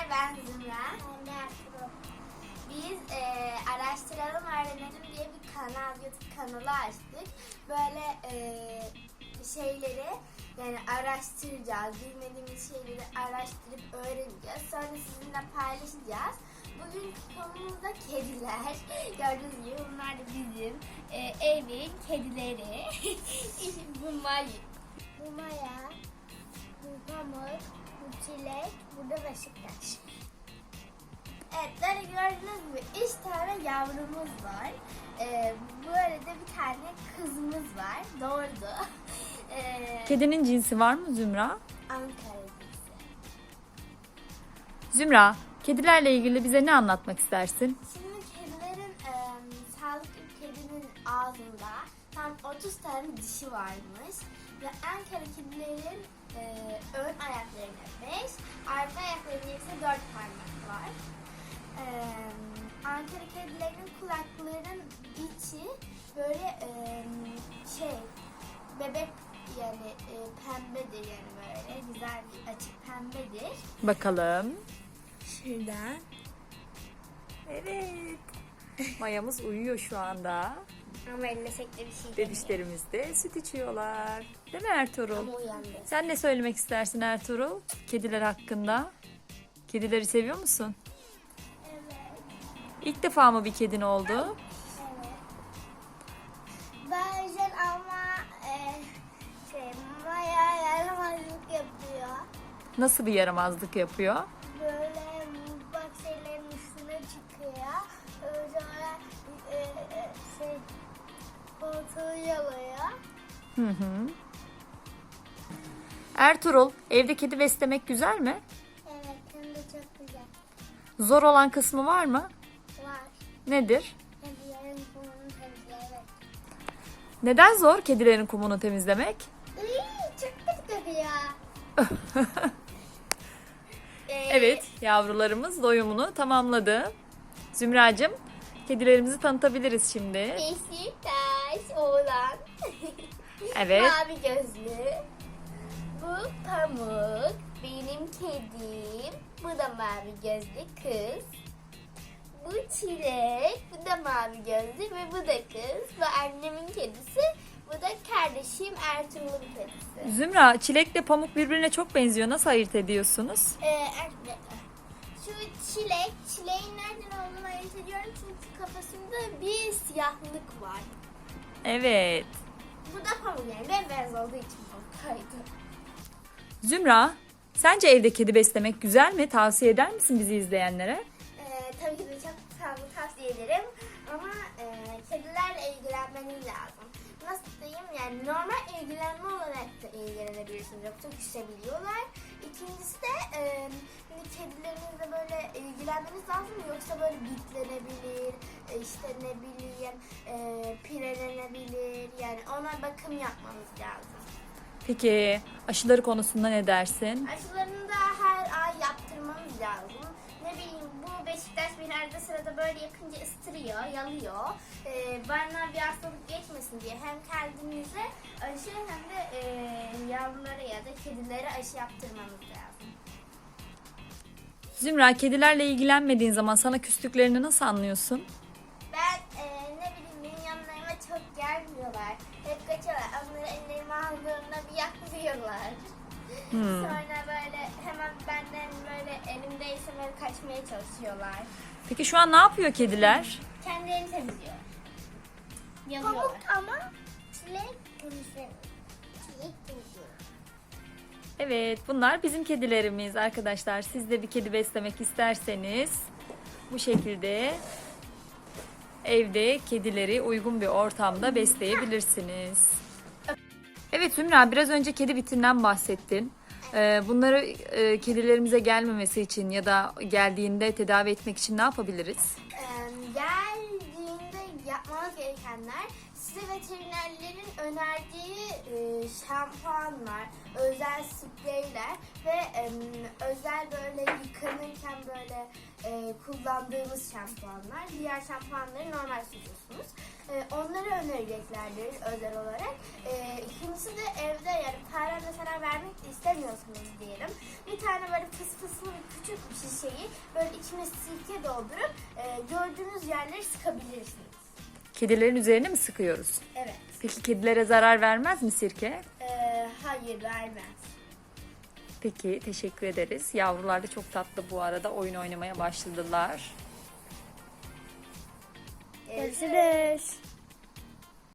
ben Zümra. Ben de Ertuğrul. Biz araştıralım öğrenelim diye bir kanal, YouTube kanalı açtık. Böyle şeyleri yani araştıracağız. Bilmediğimiz şeyleri araştırıp öğreneceğiz. Sonra sizinle paylaşacağız. Bugün konumuz da kediler. Gördüğünüz gibi bunlar da bizim evin kedileri. Bu Maya, bu Pamuk, bu Çilek, bu da Beşiktaş. Evet, böyle gördüğünüz gibi 3 tane yavrumuz var. Böyle de bir tane kızımız var. Doğurdu. Kedinin cinsi var mı Zümra? Ankara cinsi. Zümra, kedilerle ilgili bize ne anlatmak istersin? Şimdi kedilerin sağlıklı kedinin ağzında tam 30 tane dişi varmış. Ve Ankara kedilerin ön ayaklarında 5, arka ayaklarında ise 4 parmak var. Ankara kedilerinin kulaklarının içi böyle bebek yani pembedir yani böyle güzel bir açık pembedir. Bakalım. Şuradan. Evet. Mayamız uyuyor şu anda. Ama ellesek de bir şey demiyor. Bebişlerimiz de süt içiyorlar. Değil mi Ertuğrul? Ama uyandı. Sen ne söylemek istersin Ertuğrul? Kediler hakkında. Kedileri seviyor musun? Evet. İlk defa mı bir kedin oldu? Evet. Bazen ama Maya yaramazlık yapıyor. Nasıl bir yaramazlık yapıyor? Böyle mutfak şeylerin üstüne çıkıyor. Sonra koltuğu yalıyor. Hı hı. Ertuğrul, evde kedi beslemek güzel mi? Evet, hem de çok güzel. Zor olan kısmı var mı? Var. Nedir? Kedilerin kumunu temizlemek. Neden zor kedilerin kumunu temizlemek? Çok kötü kokuyor. Evet, yavrularımız doyumunu tamamladı. Zümracığım, kedilerimizi tanıtabiliriz şimdi. Beşiktaş oğlan. Evet. Mavi gözlü. Bu Pamuk. Benim kedim. Bu da mavi gözlü kız. Bu Çilek. Bu da mavi gözlü ve bu da kız. Bu annemin kedisi. Bu da kardeşim Ertuğrul'un kedisi. Zümra, çilekle pamuk birbirine çok benziyor. Nasıl ayırt ediyorsunuz? Şu çileğin nereden olduğunu ayırt ediyorum çünkü kafasında bir siyahlık var. Evet. Bu da pamuk yani bembeyaz olduğu için pamuk. Zümra, sence evde kedi beslemek güzel mi? Tavsiye eder misin bizi izleyenlere? Tabii ki de çok tavsiye ederim ama kedilerle ilgilenmeniz lazım. Nasıl diyeyim yani normal ilgilenme olarak da ilgilenebilirsiniz yoksa küsebiliyorlar. İkincisi de kedilerinizle böyle ilgilenmeniz lazım yoksa böyle bitlenebilir, işte ne bileyim pirelenebilir yani ona bakım yapmanız lazım. Peki aşıları konusunda ne dersin? Aşılarını da her ay yaptırmanız lazım. Ne bileyim bu Beşiktaş beni arada sırada böyle yakınca ısırıyor, yalıyor. Bana bir hastalık geçmesin diye hem kendinize aşı hem de yavrulara ya da kedilere aşı yaptırmanız lazım. Zümra, kedilerle ilgilenmediğin zaman sana küstüklerini nasıl anlıyorsun? Ben ne bileyim benim yanlarıma çok gelmiyorlar. Hep kaçıyorlar. Onları ellerime aldığımda bir yaklıyorlar. Sonra böyle hemen benden böyle elimdeyse böyle kaçmaya çalışıyorlar. Peki şu an ne yapıyor kediler? Kendilerini temizliyor. Yalıyorlar. Pamuk ama çilek temizlemiyor. Çilek temizliyor. Evet, bunlar bizim kedilerimiz arkadaşlar. Siz de bir kedi beslemek isterseniz bu şekilde evde kedileri uygun bir ortamda besleyebilirsiniz. Evet Zümra, biraz önce kedi bitinden bahsettin. Bunları kedilerimize gelmemesi için ya da geldiğinde tedavi etmek için ne yapabiliriz? Geldiğinde yapmanız gerekenler size veterinerlerin önerdiği şampuanlar, özel spreyler ve özel böyle yıkanırken böyle kullandığımız şampuanlar. Diğer şampuanları normal sürüyorsunuz. Onları önereceklerdir özel olarak. İkincisi de evde yani farene zarar vermek de istemiyorsunuz diyelim. Bir tane böyle fıs fıslı bir küçük bir şiş şeyi böyle içine sirke doldurup gördüğünüz yerleri sıkabilirsiniz. Kedilerin üzerine mi sıkıyoruz? Evet. Peki kedilere zarar vermez mi sirke? Hayır, vermez. Peki, teşekkür ederiz. Yavrular da çok tatlı bu arada. Oyun oynamaya başladılar. Görüşürüz.